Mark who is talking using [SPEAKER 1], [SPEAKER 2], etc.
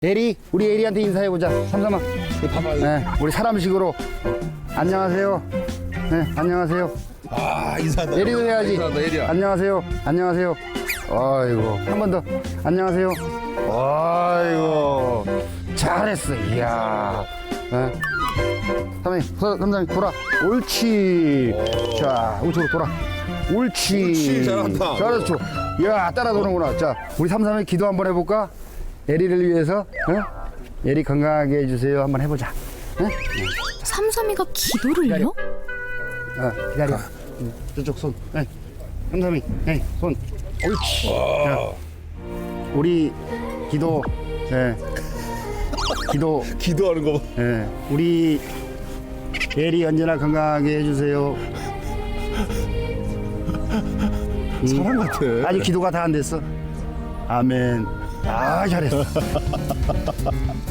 [SPEAKER 1] 에리, 우리 에리한테 인사해보자. 삼삼아. 네, 우리 사람식으로. 안녕하세요. 네, 안녕하세요.
[SPEAKER 2] 아, 인사한다.
[SPEAKER 1] 에리도 해야지.
[SPEAKER 2] 인사한다, 에리야.
[SPEAKER 1] 안녕하세요. 안녕하세요. 아이고, 한 번 더. 안녕하세요. 아이고, 잘했어. 이야. 네. 삼삼이 돌아. 옳지. 자, 우측으로 돌아. 옳지.
[SPEAKER 2] 옳지, 잘한다.
[SPEAKER 1] 잘했어. 이야, 따라 도는구나. 자, 우리 삼삼이 기도 한번 해볼까? 에리를 위해서. 어? 에리 건강하게 해주세요. 한번 해보자. 응?
[SPEAKER 3] 삼삼이가 기도를요?
[SPEAKER 1] 기다려. 저쪽 손. 네. 삼삼이. 네, 손. 옳지. 자, 우리 기도. 네. 기도.
[SPEAKER 2] 기도하는 거 봐.
[SPEAKER 1] 네. 우리 에리 언제나 건강하게 해주세요.
[SPEAKER 2] 사람 같아.
[SPEAKER 1] 아직 기도가 다 안 됐어. 아멘. 아, 잘했어.